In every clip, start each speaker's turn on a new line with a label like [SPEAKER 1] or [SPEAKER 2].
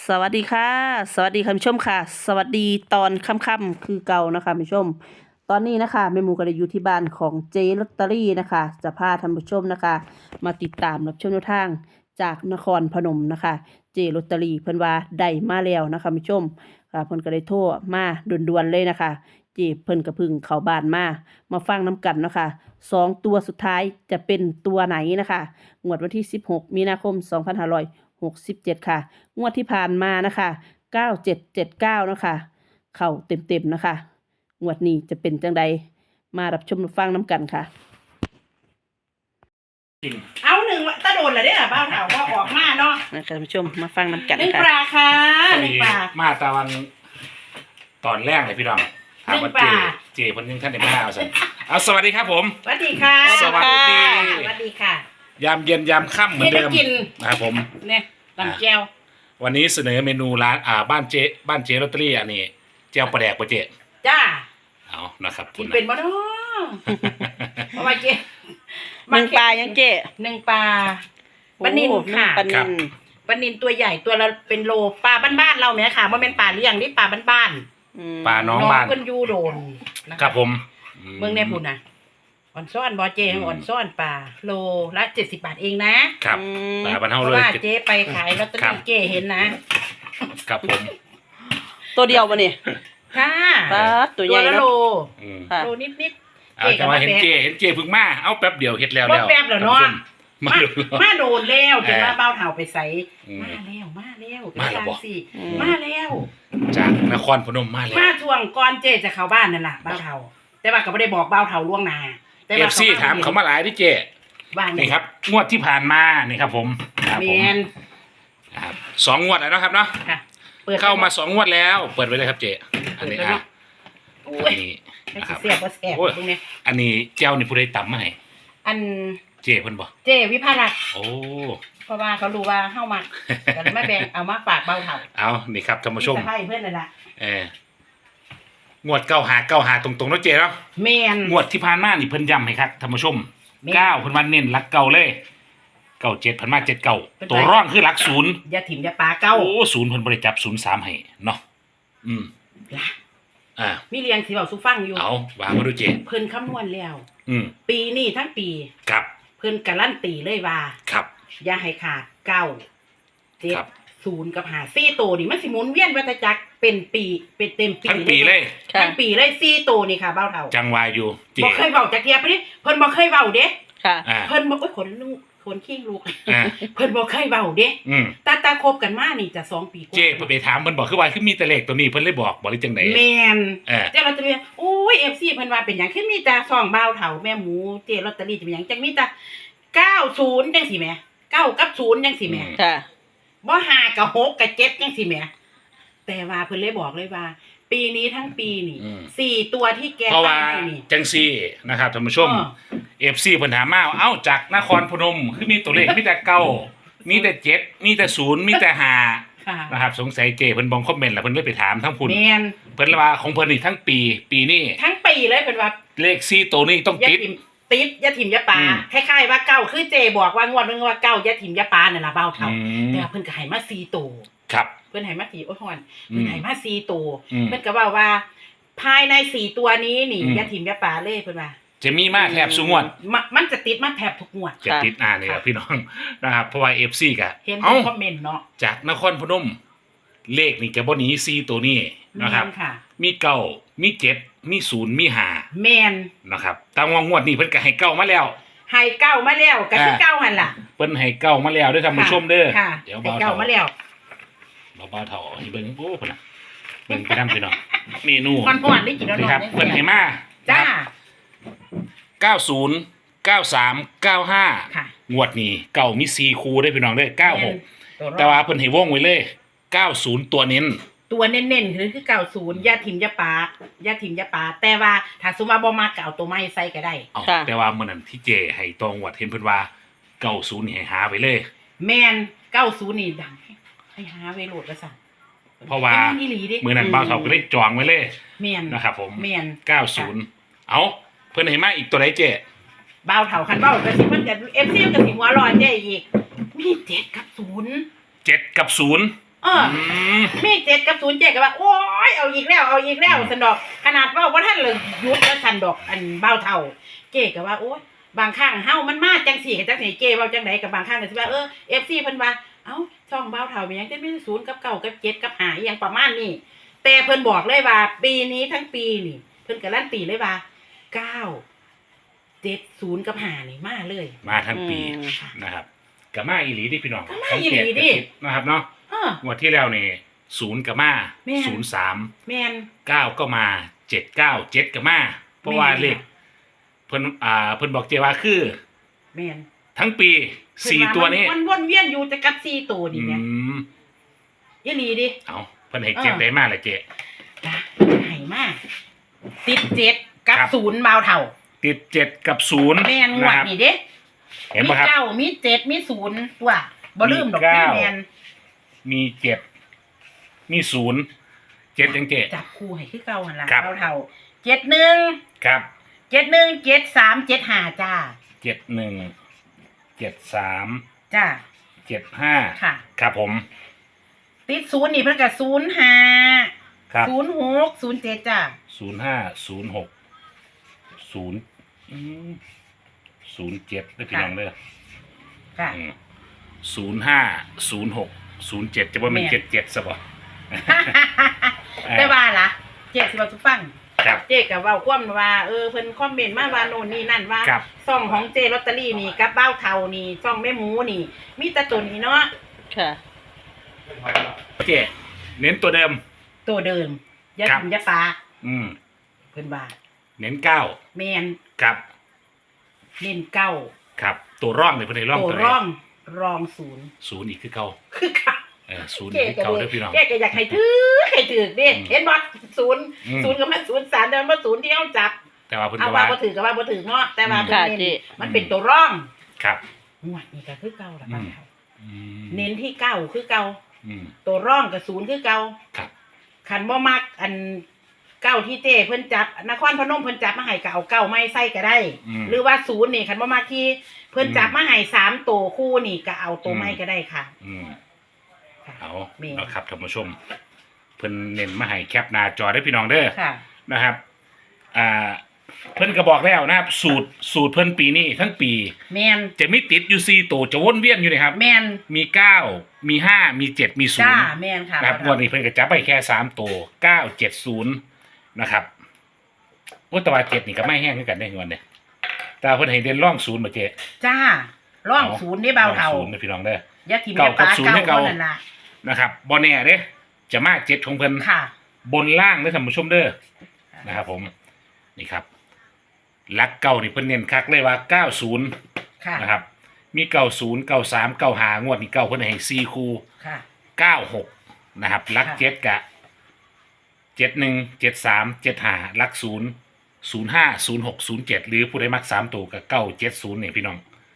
[SPEAKER 1] สวัสดีค่ะสวัสดีคุณผู้ชมค่ะสวัสดีตอนค่ำๆคือเก่านะคะคุณผู้ชมตอนนี้นะคะแม่หมูก็ได้อยู่ที่บ้านของเจลอตเตอรี่นะคะจะพาท่านผู้ชมนะคะมาติดตามรับชมแนวทางจากนครพนมนะคะเจลอตเตอรี่เพิ่นว่าได้มาแล้วนะคะคุณผู้ชมค่ะเพิ่นก็ได้โทรมาด่วนๆเลยนะคะเจเพิ่นก็เพึ่งเข้าบ้านมาฟังน้ำกันเนาะคะ2 ตัวสุดท้ายจะเป็นตัวไหนนะคะงวดวันที่16มีนาคม2567ค่ะงวดที่ผ่านมานะคะ9779นะคะเข้าเต็มๆนะคะงวดนี้จะเป็นจังใดมารับชมรับฟังน้ำกันค่ะ
[SPEAKER 2] เอาหนึ่งตะโดนเลยเนี่ยบ้าเถาว่าออกมาเนาะ
[SPEAKER 1] นะคะท่านผู้ชมมาฟังน้ำกัน
[SPEAKER 2] หนึ่ง
[SPEAKER 1] ค่ะ
[SPEAKER 2] ปลาค่ะหนึ่งปลา
[SPEAKER 3] มาตะวันตอนแรกเลยพี่น้องถามว่า
[SPEAKER 2] หนึ่งปลา
[SPEAKER 3] เจเพิ่นยังท่านได้มาเอาซั่นเอาสวัสดีครับผม
[SPEAKER 2] สวัสดีค่ะ
[SPEAKER 3] สวัสดี
[SPEAKER 2] สวัสดีค่ะ
[SPEAKER 3] ยามเย็นยามค่ำเหมือนเดิม
[SPEAKER 2] กิน
[SPEAKER 3] นะครับผม
[SPEAKER 2] เนี่ยตำแก้ว
[SPEAKER 3] วันนี้เสนอเมนูร้านบ้านเจลอตเตอรี่อันนี้เจียวปลาแดกปลาเจ
[SPEAKER 2] จ้า
[SPEAKER 3] เอานะครับ
[SPEAKER 2] กิน
[SPEAKER 3] นะ
[SPEAKER 2] เป็นบ่เนาะเพราะว่าเจ๊
[SPEAKER 1] หนึ่งปลายังเจ๊
[SPEAKER 2] หนึ่งปลาปลานิลค่ะ
[SPEAKER 1] ปลานิล
[SPEAKER 2] ปลานิลตัวใหญ่ตัวละเป็นโลปลาบ้านๆเราไหมค่ะมันเป็นปลาเลี้ยงนี่ปลาบ้าน
[SPEAKER 3] ปลา
[SPEAKER 2] ๆ
[SPEAKER 3] น้องบ้าน
[SPEAKER 2] เพิ่นอยู่โดนนะะ
[SPEAKER 3] ครับผม
[SPEAKER 2] เมืองในพุ่นน่ะอ่อนซ่อนบอเจอ่อนซ่อนปลาโลละ70 บาทเองนะครับ
[SPEAKER 3] ปลาบ้าน
[SPEAKER 2] เพ
[SPEAKER 3] เฮา
[SPEAKER 2] ราะ
[SPEAKER 3] เลย
[SPEAKER 2] ว่าเจ๊ไปขายลอตเตอ
[SPEAKER 3] ครั
[SPEAKER 2] รี่
[SPEAKER 3] บ
[SPEAKER 2] เจ๊เห็นนะ
[SPEAKER 3] ครับผม
[SPEAKER 1] ตัวเดียวมาเนี่ย
[SPEAKER 2] ค่ะ
[SPEAKER 1] ปลาตัวใหญ่
[SPEAKER 2] ละ
[SPEAKER 1] เนาะ
[SPEAKER 2] โล
[SPEAKER 3] อืม
[SPEAKER 1] ค่ะ
[SPEAKER 2] โลนิด
[SPEAKER 3] เอาจะมาเห็นเจเพิ่งมาเอาแป๊บเดียวเฮ็ดแล้ว
[SPEAKER 2] บ่แป๊บแล้วเนาะ
[SPEAKER 3] ท่านผู้ชมมาดู
[SPEAKER 2] มาโดนแล้วจนว่าเบ้าเถ่าไปใส่
[SPEAKER 3] อืม
[SPEAKER 2] มาแล้ว
[SPEAKER 3] มาแล้ว
[SPEAKER 2] เป็น
[SPEAKER 3] บ่
[SPEAKER 2] สิ
[SPEAKER 1] อืม
[SPEAKER 2] มาแล้ว
[SPEAKER 3] จากนครพนมมาแล้ว
[SPEAKER 2] มาช่วงก่อนเจ๊จะเข้าบ้านนั่นล่ะเบ้าเถ่าแต่ว่าก็ไม่ได้บอกเบ้าเถ่าล่วงหน้าแต่
[SPEAKER 3] เอ
[SPEAKER 2] ว่า
[SPEAKER 3] ฟซีถามเขามาหลายที่เจ
[SPEAKER 2] ว่าไง
[SPEAKER 3] นี่ครับงวดที่ผ่านมานี่ครับผมครับ
[SPEAKER 2] แม
[SPEAKER 3] ผม
[SPEAKER 2] น
[SPEAKER 3] ครับ2 งวดแล้วนะครับเนาะ
[SPEAKER 2] ค่ะเปิด
[SPEAKER 3] เข้ามา2 งวดแล้ว เปิดไว้เลยครับเจอันนี้
[SPEAKER 2] เปิดไว้
[SPEAKER 3] อ่ะ
[SPEAKER 2] อุ้
[SPEAKER 3] อั
[SPEAKER 2] ย
[SPEAKER 3] นนี้
[SPEAKER 2] ไม่
[SPEAKER 3] นะครับ
[SPEAKER 2] เสียบบ่แสบ
[SPEAKER 3] โอ้ย
[SPEAKER 2] ตรงนี้
[SPEAKER 3] อันนี้เจ้านี่ผู้ใดต่ำมาให้
[SPEAKER 2] อัน
[SPEAKER 3] เจเพิ่นบอก
[SPEAKER 2] เจวิภารักษ์
[SPEAKER 3] โอ้
[SPEAKER 2] เพราะว่าเขารู้ว่าเฮ้ามากันไม่แบ่งเอามาฝากเบาเถ่า
[SPEAKER 3] เอานี่ครับท่านผู้ชม
[SPEAKER 2] จะให้เพื่อนนั่นแหละ
[SPEAKER 3] งวด9 5 9 5ตรงๆเนาะเจเนาะ
[SPEAKER 2] แมน
[SPEAKER 3] งวดที่ผ่านมานี่เพิ่นย้ำให้ครับท่านผู้ชม
[SPEAKER 2] แม่น
[SPEAKER 3] 9เพิ่นว่าเน้นหลักเก่าเลยเก้าเจ็ดเพิ่นมา79ตัวร่องคือหลัก0
[SPEAKER 2] อย่าถิ่มอย่าปลาเก้า
[SPEAKER 3] โอ้0เพิ่นบ่ได้จับ03ให้เนาะอืม
[SPEAKER 2] ล่ะ
[SPEAKER 3] อ่า
[SPEAKER 2] มีเรียงสีเบาสุฟังอยู่
[SPEAKER 3] เอาวางมาดูเจ
[SPEAKER 2] เพิ่นคำนวณแล้ว
[SPEAKER 3] อืม
[SPEAKER 2] ปีนี้ทั้งปี
[SPEAKER 3] ครับ
[SPEAKER 2] เพิ่นการันตีเลยว่า
[SPEAKER 3] ครับ
[SPEAKER 2] อย่าให้ขาดเก้าเจ็ด
[SPEAKER 3] ครับ
[SPEAKER 2] ศูนย์กับหาซี่โตวนี่มันสิหมุนเวียนวัฏจักรเป็นปีเป็นเต็มปี
[SPEAKER 3] ทั้งปีเลย
[SPEAKER 1] ค่ะ
[SPEAKER 2] ทั้งปีเลยซี่โตวนี่ค่ะเบ้าเท่า
[SPEAKER 3] จังวายอยู่เจ
[SPEAKER 2] บ่เคยเว้าจักเทียไปดิเพิ่นบ่เคยเว้าเด้
[SPEAKER 1] ค่ะ
[SPEAKER 3] อ่า
[SPEAKER 2] เพิ่นบ่โอ้ยขนลูกขนขี้ลูก
[SPEAKER 3] อ่า
[SPEAKER 2] เพิ่นบ่เคยเว้าเด้
[SPEAKER 3] อืม
[SPEAKER 2] ตาคบกันมานี่จะ2 ปีกว่า
[SPEAKER 3] เจเพิ่นไปถามเพิ่นบอกคือว่าคือมีแต่เลขตัวนี้เพิ่นเลยบอกหรือจังได๋
[SPEAKER 2] แมน
[SPEAKER 3] เออ
[SPEAKER 2] เจ้าลอตเตอรี่โอ้ย FC เพิ่นว่าเป็นหยังคือมีแต่ซองบ่าวเฒ่าแม่หมูเจ้ลอตเตอรี่จะเป็นหยังจังมีแต่90จังซี่แหม9กับ0จังซี่แหม
[SPEAKER 1] ค่ะ
[SPEAKER 2] บ่5กับ6กับ7จังซี่แหมแต่ว่าเพิ่นเลยบอกเลยว่า ปีนี้ทั้งปีนี่4ตัวที่แก
[SPEAKER 3] เพราะว่า
[SPEAKER 2] ตั้งให้นี่
[SPEAKER 3] จังซี่นะครับท่านผู้ชม
[SPEAKER 2] เออ
[SPEAKER 3] FC เพิ่นถามมาเอ้าจากนครพนมคือมีตัวเลขมีแต่เก้ามีแต่7มีแต่0มีแต่5
[SPEAKER 2] ค่ะ
[SPEAKER 3] นะครับสงสัยเจเพิ่นบองคอมเมนต์แล้วเพิ่นเลยไปถามทั้งพุ่น
[SPEAKER 2] แมน
[SPEAKER 3] เพิ่นเลยว่าของเพิ่นนี่ทั้งปีนี้
[SPEAKER 2] ทั้งปีเลยเพิ่นว่า
[SPEAKER 3] เลข4ตัวนี้ต้อง
[SPEAKER 2] อย่า
[SPEAKER 3] ติด
[SPEAKER 2] ถิ่มติดอย่าถิ่มอย่าปา
[SPEAKER 3] อืม
[SPEAKER 2] คล้ายๆว่าเก้าคือเจบอกว่างวดนึงว่าเก้าอย่าถิ่มอย่าปานั่นล่ะบ่าวเฒ่า
[SPEAKER 3] อืม
[SPEAKER 2] แต่ว่าเพิ่นก็ให้มา4ตัว
[SPEAKER 3] ครับ
[SPEAKER 2] เพิ่นให้มา4โอ้ยฮอน
[SPEAKER 3] อื
[SPEAKER 2] เพิ่น
[SPEAKER 3] ม
[SPEAKER 2] ให้มา4ตัว
[SPEAKER 3] อืม
[SPEAKER 2] เพิ่นก็บอกว่า ภายใน4ตัวนี้นี่
[SPEAKER 3] อืม
[SPEAKER 2] ยาถิ่มยาป่าเลยเพิ่นว่า
[SPEAKER 3] จะมีมาแทบสุงวด
[SPEAKER 2] มันจะติดมาแทบทุกงวด
[SPEAKER 3] จะติดนี่แหละพี่น้อง นะครับเพราะว่า FC ก็
[SPEAKER 2] เห็น
[SPEAKER 3] เอ้า
[SPEAKER 2] คอมเมนต์เนาะ
[SPEAKER 3] จากนครพนม เลขนี่จะบ่หนี4ตัวนี้นะครับ
[SPEAKER 2] แม่ค่ะ
[SPEAKER 3] มีเก้ามี7มี0มี
[SPEAKER 2] แมน
[SPEAKER 3] 5นะครับตามงวดนี้เพิ่นก็ให้เก้ามาแล้ว
[SPEAKER 2] ให้เก้ามาแล้วก็คือเก้าหั่นล่ะ
[SPEAKER 3] เพิ่นให้เก้ามาแล้วเด้อท่านผู้ชมเด้อ
[SPEAKER 2] ค่ะ
[SPEAKER 3] เดี๋ยว
[SPEAKER 2] ให้
[SPEAKER 3] เบา
[SPEAKER 2] เก้า
[SPEAKER 3] เท่า
[SPEAKER 2] มาแล้ว
[SPEAKER 3] เบาเท่าให้เบิ่งโอ้พุ่นน่ะเบิ่งไปนำพี่น้องเมนู
[SPEAKER 2] ก่อนๆได้กินแล้ว
[SPEAKER 3] นี่
[SPEAKER 2] เนาะ
[SPEAKER 3] ครับเพิ่นให้มา
[SPEAKER 2] จ้า
[SPEAKER 3] 90 93 95
[SPEAKER 2] ค่ะ
[SPEAKER 3] งวดนี้เก้ามี4คู่ได้อพี่น้องเด้อ96แต่ว่าเพิ่นให้วงไว้เลย90ตัวเน้น
[SPEAKER 2] ตัวเน้นๆคือ90ยาถิ่มยาป่ายาถิ่มยาป่าแต่ว่าถ้าสมมุติว่าบ่มักก็เอาตัวไม้ใส่ก็ได้
[SPEAKER 3] เอา
[SPEAKER 1] ค่ะ
[SPEAKER 3] แต่ว่ามื้อนั้นที่เจให้ตองวดเห็นเพิ่นว่า90นี่ให้หาไว้เลย
[SPEAKER 2] แม่น90นี่ดังให้หาไว้โหลดว่าซั่น
[SPEAKER 3] เพราะว่า
[SPEAKER 2] แต่อีหลีเด้
[SPEAKER 3] มื้อนั้นบ่าวเฒ่าก็เลยจองไว้เลย
[SPEAKER 2] แม่น
[SPEAKER 3] นะครับผม
[SPEAKER 2] แม่น
[SPEAKER 3] 90เอาเพิ่นให้มาอีกตัวใดเจ
[SPEAKER 2] บ่าวเฒ่าคันเว้ากะสิมันจะ FC ก็สิหัวร้อนได้อีกมี7กับ0
[SPEAKER 3] 7กับ0
[SPEAKER 2] มี7กับ0เจ๊ก็ว่าโอ้ยเอาอีกแล้วสันดอกขนาดว่าท่านเลยหยุดแล้วสันดอกอันเบาเท่าเจ๊ก็ว่าโอ้ยบางครั้งเฮามันมาจังสี่กับจังสี่เจ๊เว้าจังไดกับบางครั้งก็สิว่าFC เพิ่นว่าเอ้าช่องเบาเท่ามีหยังแต่มี0กับ9กับ7กับ5อีหยังประมาณนี้แต่เพิ่นบอกเลยว่าปีนี้ทั้งปีนี่เพิ่นการันตีเลยว่า9 7 0กับ5นี่มาเลย
[SPEAKER 3] มาทั้งปีนะครับกับมาอีหลีดิพี่น้อง
[SPEAKER 2] ก็มาอีหลีดิ
[SPEAKER 3] นะครับเนาะงวดที่แล้วนี่0กับมา03
[SPEAKER 2] แม่น
[SPEAKER 3] 9ก็มา797กับมาเพราะว่าเลขเพิ่นบอกเจว่าคือ
[SPEAKER 2] แม่น
[SPEAKER 3] ทั้งปี4ตัวนี้
[SPEAKER 2] มันวนเวียนอยู่แต่กับ4ตัวนี่แม่อีหลีดิ
[SPEAKER 3] เอาเพิ่นให้เจ็ดได้มาเลยเจ๊
[SPEAKER 2] นะให้มาติด7กับ
[SPEAKER 3] ครับ
[SPEAKER 2] 0เบาเท่า
[SPEAKER 3] ติด7กับ0
[SPEAKER 2] แม่นงวดนี่เด้
[SPEAKER 3] เห็น
[SPEAKER 2] มี
[SPEAKER 3] ป่ะครับ
[SPEAKER 2] 9มี7มี0ตัวบ่ลืมดอก
[SPEAKER 3] มีเก้า
[SPEAKER 2] แม่น
[SPEAKER 3] มี7มี0 7จังเจ๊
[SPEAKER 2] จับคู่ให้คือเก่าหั่นล่ะ
[SPEAKER 3] ครับ
[SPEAKER 2] เบาเท่า71
[SPEAKER 3] ครับ
[SPEAKER 2] 71 73 75จ้า
[SPEAKER 3] 71 73
[SPEAKER 2] จ้า
[SPEAKER 3] 75
[SPEAKER 2] ค่ะ
[SPEAKER 3] ครับผม
[SPEAKER 2] ติด0นี่เพิ่นก็05
[SPEAKER 3] ครับ
[SPEAKER 2] 06 07จ้า
[SPEAKER 3] 05 06 07ได้พี่น้องเด้อ
[SPEAKER 2] ค่ะ
[SPEAKER 3] 05 06 07จะว่ามัน
[SPEAKER 2] แม่น
[SPEAKER 3] 77ซะบ่
[SPEAKER 2] แต่ว่าล่ะเจ๊สิว่าสุฟัง
[SPEAKER 3] ครับ
[SPEAKER 2] เจ๊ก็เว้าความว่าเพิ่นคอมเมนต์มาว่าโน่นนี่นั่นว่า
[SPEAKER 3] ครับ
[SPEAKER 2] ซ่องของเจลอตเตอรี่นี่กับเบ้าเทานี่ซ่องแม่หมูนี่ มีแต่ตัวนี้เนาะ
[SPEAKER 1] ค่ะ
[SPEAKER 3] เจ๊เน้นตัวเดิม
[SPEAKER 2] ตัวเดิมอย่า
[SPEAKER 3] ครับ
[SPEAKER 2] ทิ่มอย่าปา
[SPEAKER 3] อืม
[SPEAKER 2] เพิ่นว่า
[SPEAKER 3] เน้น9
[SPEAKER 2] แม่น
[SPEAKER 3] ครับ
[SPEAKER 2] เน้นเก้า
[SPEAKER 3] ครับ ตัวร่องเลยเพิ่นให้ร่อง
[SPEAKER 2] ตัว
[SPEAKER 3] ตัวไหน
[SPEAKER 2] ร่องศูนย์
[SPEAKER 3] 0อีกคือเก่า
[SPEAKER 2] คือค่ะ
[SPEAKER 3] 0
[SPEAKER 2] เจ๊
[SPEAKER 3] อีก
[SPEAKER 2] ก็
[SPEAKER 3] คือเก่า
[SPEAKER 2] เล
[SPEAKER 3] เด้อพี่น้อง
[SPEAKER 2] เจ๊ก็อยากให้ถือเด้เห็นบ่ศูนย์
[SPEAKER 3] อืม
[SPEAKER 2] ศูนย์กับมัน03แต่มันศูนย์ที่เฮาจับ
[SPEAKER 3] แต่ว่าเพิ่น
[SPEAKER 2] เอา
[SPEAKER 3] ก็
[SPEAKER 2] ว่า
[SPEAKER 3] ว่า
[SPEAKER 2] บ่ถือก็ว่าบ่ถือเนาะแต่ว่าเพิ่น
[SPEAKER 1] ค่ะ
[SPEAKER 2] เน้น
[SPEAKER 1] เจ๊
[SPEAKER 2] มันเป็นตัวร่อง
[SPEAKER 3] ครับ
[SPEAKER 2] งวดนี้ก็คือเก่าล่ะ
[SPEAKER 3] อื
[SPEAKER 2] บ้าน
[SPEAKER 3] ม
[SPEAKER 2] เขา
[SPEAKER 3] อืม
[SPEAKER 2] เน้นที่เก้าคือเก่า
[SPEAKER 3] อืม
[SPEAKER 2] ตัวร่องกับศูนย์คือเก่า
[SPEAKER 3] ครับ
[SPEAKER 2] คันบ่มักอันเก้าที่เจ้เพิ่นจับนครพนมเพิ่นจับมาให้ก็เอาเก้าไม้ใส่ก็ได้ หรือว่าศูนย์นี่คันบ่มักที่เพิ่นจับมาให้3ตัวคู่นี่ก็เอาตัวไม้ก็ได้ค่ะ
[SPEAKER 3] อืม
[SPEAKER 2] ค่ะ
[SPEAKER 3] เอา
[SPEAKER 2] แม่น
[SPEAKER 3] นะครับท่านผู้ชม เพิ่นเน้นมาให้แคปหน้าจอได้พี่น้องเด้อ
[SPEAKER 2] ค่ะ
[SPEAKER 3] นะครับ เพิ่นก็บอกแล้วนะครับ สูตรเพิ่นปีนี้ทั้งปี
[SPEAKER 2] แม่น
[SPEAKER 3] จะมีติดอยู่4ตัวจะวนเวียนอยู่นะครับ
[SPEAKER 2] แม่น
[SPEAKER 3] มี9มี5มี7มี
[SPEAKER 2] จ้า
[SPEAKER 3] 0
[SPEAKER 2] แม่นค่ะ
[SPEAKER 3] นะครับงวดนี้เพิ่นก็จับไปแค่3ตัว970นะครับว่าแตว่า7นี่ก็ไม่แห้งคือกันได้งวดเนี่ยแต่เพิ่นให้เด่นร่อง0บ่เจ๊
[SPEAKER 2] จ้าร่องศูนย์นี่เบาเท่า
[SPEAKER 3] ร่อง0นะพี่น้องเด้อ
[SPEAKER 2] อย่าทิ่ม
[SPEAKER 3] เก้า
[SPEAKER 2] อย่า
[SPEAKER 3] กับ
[SPEAKER 2] ปา
[SPEAKER 3] ศูนย์ให้
[SPEAKER 2] เก้า
[SPEAKER 3] เก้า
[SPEAKER 2] นั่นล่ะ
[SPEAKER 3] นะครับบ่แน่เด้จะมา7ของเพิ่น
[SPEAKER 2] ค่ะ
[SPEAKER 3] บนล่างเด้อท่านผู้ชมเด้อนะครับผมนี่ครับลักเก้านี่เพิ่นเน้นคักเลยว่า90
[SPEAKER 2] ค่ะ
[SPEAKER 3] นะครับมี90 93 95งวดนี้เก้าเพิ่นให้4คู่
[SPEAKER 2] ค่ะ
[SPEAKER 3] 96นะครับลัก
[SPEAKER 2] ค่ะ
[SPEAKER 3] 7กะ71 73 75ลัก0 05 06 07หรือผู้ใดมัก3ตัวก็970นี่พี่น้อง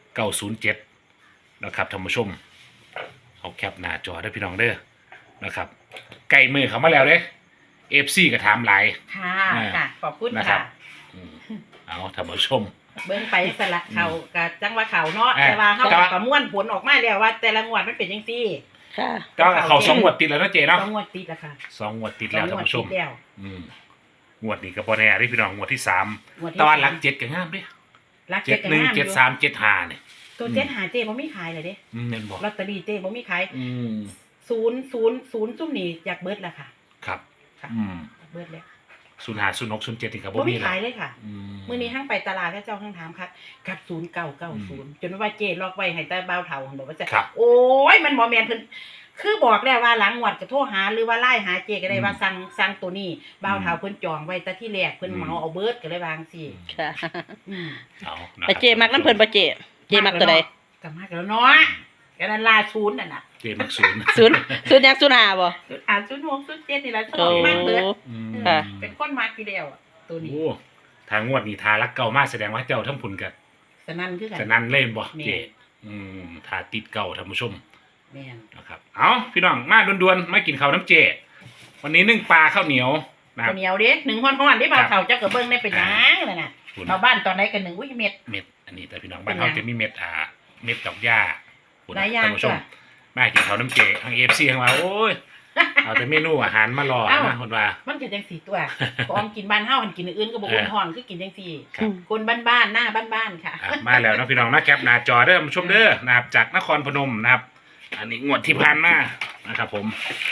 [SPEAKER 3] 907นะครับท่านผู้ชมเอาแคปหน้าจอได้อพี่น้องเด้อนะครับใกล้มือเขามาแล้วเด้ FC ก็ถามหลาย
[SPEAKER 2] ค่ะ
[SPEAKER 3] อ่า
[SPEAKER 2] ค่ะ ขอบคุณ
[SPEAKER 3] นะครับ
[SPEAKER 2] ค่ะ
[SPEAKER 3] อืมเอาท่านผู้ชม
[SPEAKER 2] เบิ่งไปสละเขากับจังว่าเขาเนาะ
[SPEAKER 3] อ่า
[SPEAKER 2] แต่ว่าเขา
[SPEAKER 3] แต่ว่า
[SPEAKER 2] ประมวลผลออกมาแล้วว่า แต่ละงวดมันเป็นจังซี่
[SPEAKER 1] ค่ะ
[SPEAKER 3] ก็เขา2งวดติดแล้วนะเจเนาะ
[SPEAKER 2] สองงวดติดแล้วค่ะ
[SPEAKER 3] 2งวดติดแล้วท่านผู้ชม
[SPEAKER 2] สองงวดติดแล้ว
[SPEAKER 3] อืมงวดนี้ก็บ่แน่เด้พี่น้องงวดที่3
[SPEAKER 2] งวดที่
[SPEAKER 3] แตะวันหลัก
[SPEAKER 2] สาม
[SPEAKER 3] 7ก็งามเด้
[SPEAKER 2] รักเจ็ดกันงามอยู่
[SPEAKER 3] 71 73 75นี่
[SPEAKER 2] ตัวเจ็ดหาเจ้บ่มีขายเลยเด้
[SPEAKER 3] แม่นบ่
[SPEAKER 2] ลอตเตอรี่เจ้บ่มีขาย
[SPEAKER 3] อืม
[SPEAKER 2] 000ซุ่มนี่อยากเบิดแล้วค่ะ
[SPEAKER 3] ครับ
[SPEAKER 2] ค่ะ
[SPEAKER 3] อืม
[SPEAKER 2] อยากเบิดแล้ว
[SPEAKER 3] 05 06 07นี่ก็บ่
[SPEAKER 2] บ่
[SPEAKER 3] มี
[SPEAKER 2] มี
[SPEAKER 3] แล้
[SPEAKER 2] ขายว เลยค่ะ
[SPEAKER 3] อืม
[SPEAKER 2] มื้อนี้ห้างไปตลาดแล้วเจ้าห้างถามค่ะกับ0990จนว่าเจ้ล็อกไว้ให้แต่บ่าวเฒ่าหั่นบอกว่าจะ
[SPEAKER 3] ครับ
[SPEAKER 2] โอ้ยมันบ่แม่นเพิ่นคือบอกแล้วว่าหลังงวดก็โทรหาหรือว่าไล่หาเจ้ก็ได้ว่าสั่งตัวนี้บ่าวเฒ่าเพิ่นจองไว้แต่ที่แรกเพิ่นเหมาเอาเบิดก็เลยวาจั่งซี่
[SPEAKER 1] ค่ะ
[SPEAKER 2] อืม
[SPEAKER 3] เอานะ
[SPEAKER 1] ไปเจมักน้ำเพิ่นบ่เจเจมักตัวใด
[SPEAKER 2] ก็มากแล้วเนาะก็นั่นลาศูนย์นั่นน่ะ
[SPEAKER 3] เจมัก0
[SPEAKER 1] ศูนย์ยังศูนย์หาบ่
[SPEAKER 2] 06 07นี่ล่ะช
[SPEAKER 1] โอ้
[SPEAKER 2] อบมากเบิด
[SPEAKER 3] อืม
[SPEAKER 1] ค่ะ
[SPEAKER 2] เป็นคนมากทีเดียวอะตัวนี้
[SPEAKER 3] โอ้ทางงวดนี้ทารักเก่ามาแสดงว่าเจ้าทั้งผุนกัน
[SPEAKER 2] สนั่นคือกัน
[SPEAKER 3] จะนั่นเล่นบ่
[SPEAKER 2] แม่
[SPEAKER 3] เจทาติดเก่าท่านผู้ชม
[SPEAKER 2] แม่น
[SPEAKER 3] นะครับเอาพี่น้องมาด่วนๆมากินข้าวน้ำเจ วันนี้นึ่งปลาข้าวเหนียวนะครับ
[SPEAKER 2] ข้าวเหนียวเด้1ฮ้อนๆได้บ่าวเฒ่าเจ้าก็เบิ่งได้เป็นหยังนั่นน่ะ
[SPEAKER 3] คุณ
[SPEAKER 2] ชาวบ้านตอนไหนกัน1อุ้ยเม็ด
[SPEAKER 3] เม็ดอันนี้แต่พี่น้องบ้านเขาจะมีเม็ดเม็ดดอกหญ้าคุณ
[SPEAKER 2] หลายอย่าง
[SPEAKER 3] ท่านผู้ชม
[SPEAKER 2] จ้ะ
[SPEAKER 3] มากินข้าวน้ำเจทางFCทางว่าโอ้ยเอาแต่เมนูอาหารมารอนะคนว่า
[SPEAKER 2] มันก็จังสี่ตัวของกินบ้านเฮาหันกินอื่นก็บ่อุ่นท้องคือกินจังสี่
[SPEAKER 3] ครับ
[SPEAKER 2] คนบ้านๆหน้าบ้านๆค่ะ
[SPEAKER 3] มาแล้วนะพี่น้องนะแคปหน้าจอเด้อมาชมเด้อนะครับจากนครพนมนะครับ อันนี้งวดที่ผ่านมานะครับผม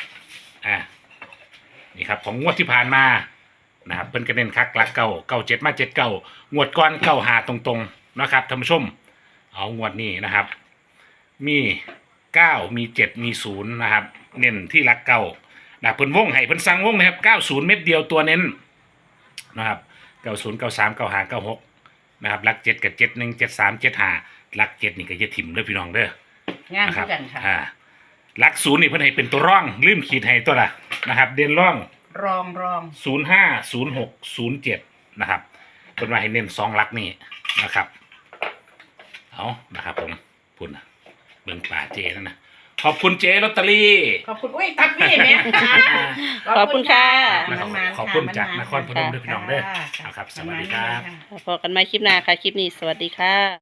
[SPEAKER 3] นี่ครับของงวดที่ผ่านมานะครับเพิ่นก็เน้นคักหลักเก้าเจ็ดมา79งวดก่อน95ตรงๆนะครับท่านผู้ชมเอางวดนี้นะครับ มี9มี7มี0นะครับเน้นที่หลักเก้านะเพิ่นวงให้เพิ่นสั่งวงนะครับ90เม็ดเดียวตัวเน้นนะครับ90 93 95 96นะครับหลัก7กับ71 73 75หลัก7นี่ก็อย่าถิ่มเด้อพี่น้องเด้อ
[SPEAKER 2] งาม
[SPEAKER 3] นะค
[SPEAKER 2] คื
[SPEAKER 3] รับ
[SPEAKER 2] อกันค่ะ
[SPEAKER 3] หลัก0นี่เพิ่นให้เป็นตัวร่องลืมขีดให้ตัวละนะครับเด่นร่อง
[SPEAKER 2] รอง
[SPEAKER 3] 05 06 07นะครับเพิ่นว่าให้เน้น2หลักนี่นะครับเอานะครับผมพุ่นนะเบิ่งป่าเจนั่นนะขอบคุณเจลอตเตอรี่
[SPEAKER 2] ขอบคุณอุ้ยทักพี่แม่
[SPEAKER 1] ขอบคุณค่ะ
[SPEAKER 2] มันๆ
[SPEAKER 3] ขอบคุณ
[SPEAKER 2] ค่ะ
[SPEAKER 3] จาก
[SPEAKER 2] มันๆ
[SPEAKER 3] นครพนมด้วยพี่น้องเด้อ
[SPEAKER 2] ค่ะ
[SPEAKER 3] ครับสวัสดีครับ
[SPEAKER 2] มันๆค่ะ
[SPEAKER 1] พบกันใหม่คลิปหน้าค่ะ คลิปนี้สวัสดีค่ะ